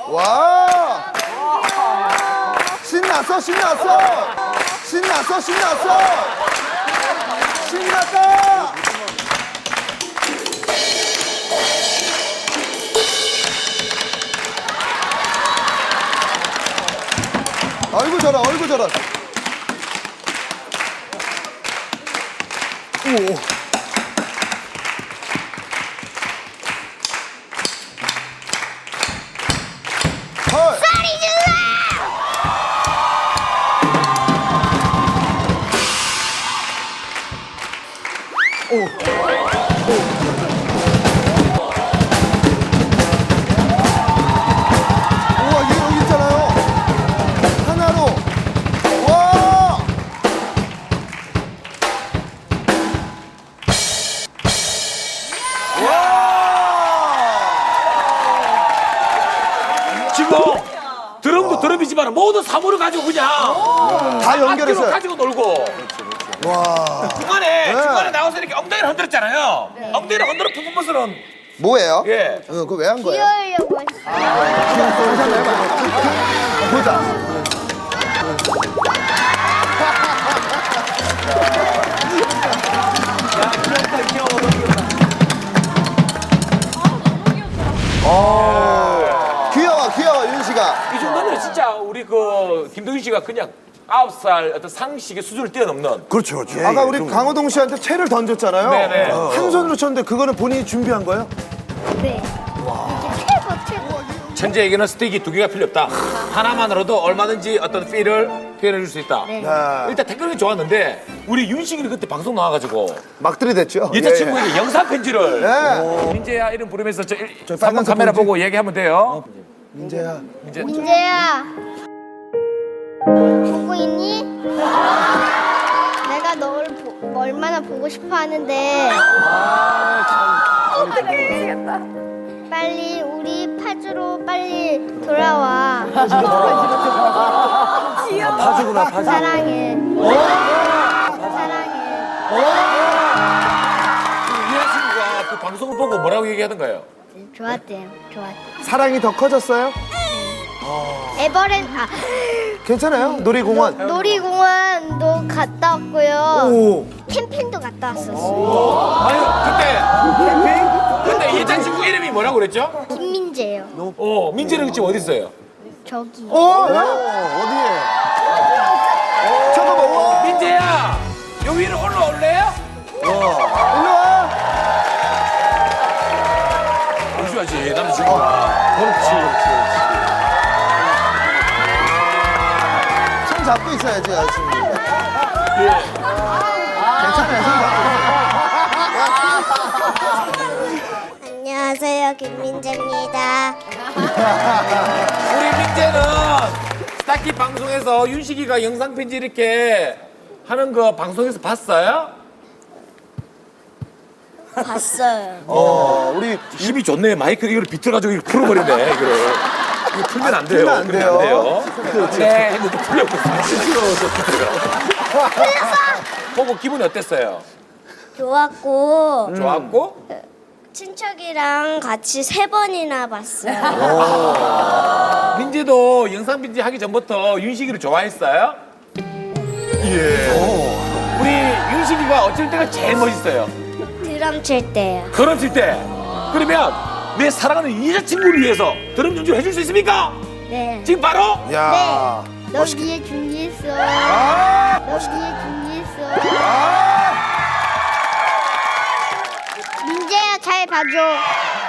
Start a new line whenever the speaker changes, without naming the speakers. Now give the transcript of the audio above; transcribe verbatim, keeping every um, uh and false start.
와. 신났어, 신났어. 신났어, 신났어. 신났다. 아이고 저라, 아이고 저라. 오. 헐.
소리 질러!
오. 우와, 얘 여기 있잖아요. 하나로. 와.
지금 드럼도 드럼이지만 모두 사물을 가지고 그냥
다
악기로
연결했어요.
가지고 놀고
와.
중간에
네.
중간에 나와서 이렇게 엉덩이를 흔들었잖아요. 엉덩이를 흔들어 퍼포먼스는
뭐예요?
예.
어, 그거 왜 한 거예요?
귀여우려고 했어.
다시 한번 해봐. 보자. 어. 귀여워, 귀여워, 윤 씨가.
이 정도면 진짜 우리 그 김동윤 씨가 그냥 아홉 살 어떤 상식의 수준을 뛰어넘는.
그렇죠, 그렇죠.
아까 우리 강호동 씨한테 채를 던졌잖아요.
네네.
한 손으로 쳤는데 그거는 본인이 준비한 거예요?
네. 이게 최고, 최고.
천재에게는 스틱이 두 개가 필요 없다. 하나만으로도 얼마든지 어떤 필을 표현해 줄 수 있다.
네.
아,
일단 댓글이 좋았는데 우리 윤식이 그때 방송 나와가지고
막 들이댔죠?
여자친구에게 영상 편지를
네.
민재야 이름 부르면서 저 일-
저
삼 번
빨간색
카메라
봉지?
보고 얘기하면 돼요.
민재야.
민재.
민재야. 보고 있니? 내가 널 보, 얼마나 보고 싶어 하는데. 빨리 우리 파주로 빨리 돌아와.
파주구나, 파주.
사랑해. 사랑해.
이 여자친구가 그 방송을 보고 뭐라고 얘기하던가요?
좋았대요. 좋았대.
사랑이 더 커졌어요?
에버랜드 아,
괜찮아요? 놀이공원.
놀이공원도 갔다 왔고요.
오.
캠핑도 갔다 왔었어요.
아니 그때 그때 여자친구 이름이 뭐라고 그랬죠?
김민재예요.
어 민재는 지금 어디 있어요?
저기.
어? 어디에? 잠깐만, 와.
민재야 여기 위로 올라올래요?
일로 와.
잠시만지 남자친구가
그렇지, 그렇지, 그렇지. 손 잡고 있어야지, 여자친구. 괜찮아요, 손 잡고.
안녕하세요, 김민재입니다.
우리 민재는 스타키 방송에서 윤식이가 영상 편지 이렇게 하는 거 방송에서 봤어요?
봤어요.
어, 우리
힘이 좋네. 마이크 이걸 비틀어가지고 이거 풀어버리네. 이거를. 이거 풀면 안 돼요.
풀면 안
풀면
돼요.
네, 했는데 풀렸고 시끄러워서 풀렸어. 보고 기분이 어땠어요?
좋았고
좋았고?
친척이랑 같이 세 번이나 봤어요.
민재도 영상 편지 하기 전부터 윤식이를 좋아했어요? 예. 우리 윤식이가 어쩔 때가 제일 멋있어요?
드럼 칠 때요.
드럼 칠 때. 그러면 내 사랑하는 여자친구를 위해서 드럼 연주를 해줄 수 있습니까?
네.
지금 바로?
야.
네. 너 위에 준비했어.
아.
너 위에 준비했어.
아.
민재야 잘 봐줘.